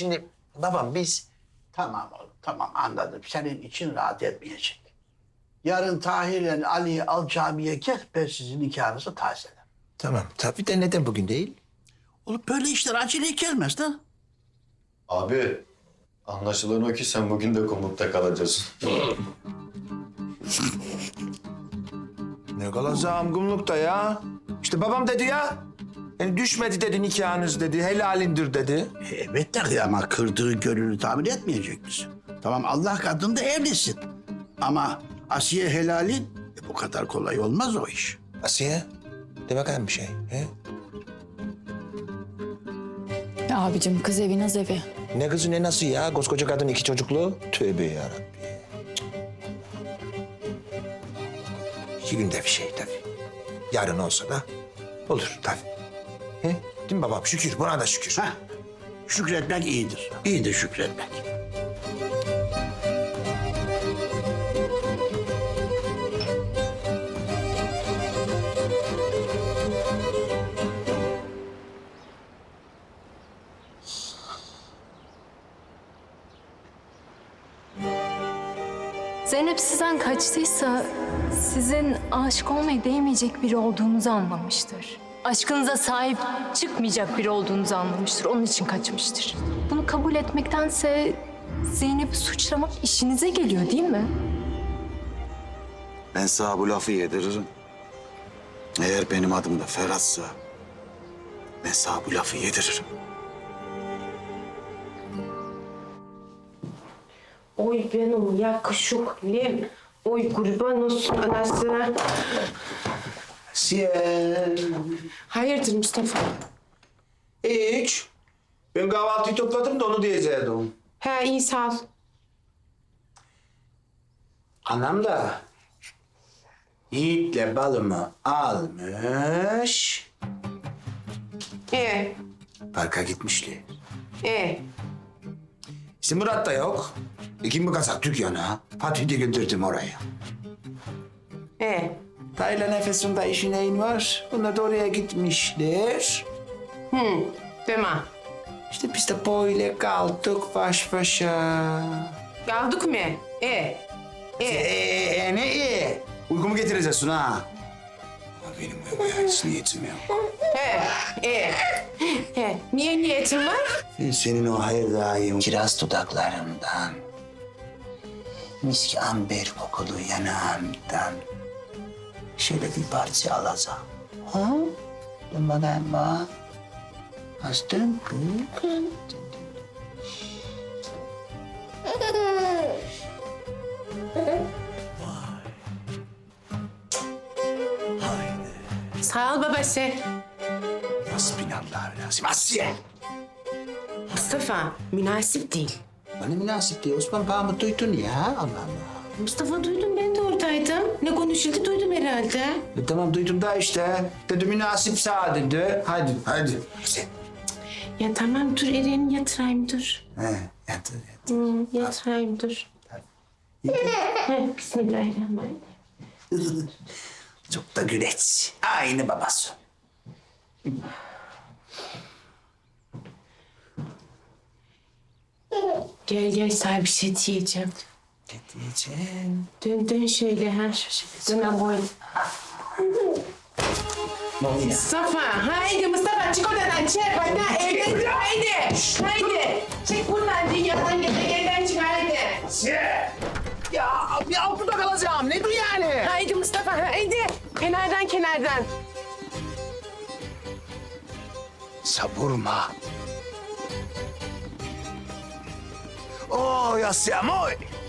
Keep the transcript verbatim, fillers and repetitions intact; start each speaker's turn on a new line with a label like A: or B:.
A: şimdi babam biz...
B: Tamam oğlum, tamam anladım. Senin için rahat etmeyecek. Yarın Tahir'le Ali'yi al camiye gel, ben sizin nikahınızı tazelerim.
A: Tamam tabii de neden bugün değil?
B: Oğlum böyle işler aceleye gelmez lan.
C: Abi, anlaşılan o ki sen bugün de komutta kalacaksın.
A: Ne kalacağım kumlukta ya? İşte babam dedi ya. Yani düşmedi dedi nikahınız dedi, helalindir dedi.
B: E, evet de ama kırdığı gönlünü tamir etmeyecek misin? Tamam Allah katında evlisin. Ama Asiye helalin e, bu kadar kolay olmaz o iş.
A: Asiye, de bakayım bir şey. He?
D: Ya abicim kız evi naz evi.
A: Ne kızı ne nasıl ya? Koskoca kadın iki çocuklu. Tövbe yarabbim. İki günde bir şey tabii. Yarın olsa da olur tabii. He? Değil mi babam? Şükür, buna da şükür.
B: Heh, şükretmek iyidir. İyidir şükretmek.
E: Zeynep sizden kaçtıysa sizin aşık olmaya değmeyecek biri olduğunuzu anlamıştır. Aşkınıza sahip çıkmayacak biri olduğunuzu anlamıştır. Onun için kaçmıştır. Bunu kabul etmektense Zeynep'i suçlamak işinize geliyor değil mi?
F: Ben sana bu lafı yediririm. Eğer benim adım da Ferhat'sa ben sana bu lafı yediririm.
G: Oy benim yakışıklım. Oy kurban olsun anasına.
A: Asiye.
G: Hayırdır Mustafa?
A: Hiç. Ben kahvaltıyı topladım da onu diyecektim.
G: He iyi sağ ol.
A: Anam da Yiğit'le balımı almış,
G: Ee,
A: parka gitmişler.
G: ee.
A: İşte Murat da yok. İki mi kazak dükkana? Fatih'i de gönderdim oraya.
G: Ee,
A: Tayla nefesinde işin neyin var? Bunlar da oraya gitmişler.
G: hı, deme.
A: İşte biz de böyle kaldık baş başa.
G: Kaldık mı? Ee, ee.
A: Ee, ne iyi? Uykumu getireceksin ha. Ama benim uyumaya hiç niyetim yok.
G: He, ee. He, niye niyetin var?
A: Ben senin o hayır daim kiraz dudaklarından, miski amber kokulu yanağından şöyle bir parça alacağım. Ha? Dön bakayım bak. Astın kız.
G: Sağ ol babası.
A: Hasbinallahü Asiye.
G: Mustafa, münasip değil.
A: Bana münasip değil. Osman bağımı duydun ya. Allah Allah.
G: Mustafa duydum, ben de oradaydım. Ne konuşuldu duydum herhalde.
A: E, tamam duydum da işte. Dedi münasip sağ dedi. Hadi, hadi. Asiye.
G: Ya tamam dur Eren yatırayım dur.
A: He, yatır, yatır.
G: Hı, yatırayım dur. Heh, Bismillahirrahmanirrahim.
A: Çok da güleç. Aynı babası.
G: Gel gel sana bir şey diyeceğim.
A: Ne diyeceğim?
G: Dön dön şöyle ha. Dön boyun. Mustafa, haydi Mustafa çık oradan çık. Bana evlendir haydi. Haydi. Çık buradan dünyadan gezegenden çık haydi.
A: Ya, ya burada kalacağım. Ne bu yani?
G: Haydi Mustafa haydi. Kenardan kenardan.
A: Savurma. Oh, ya siamo.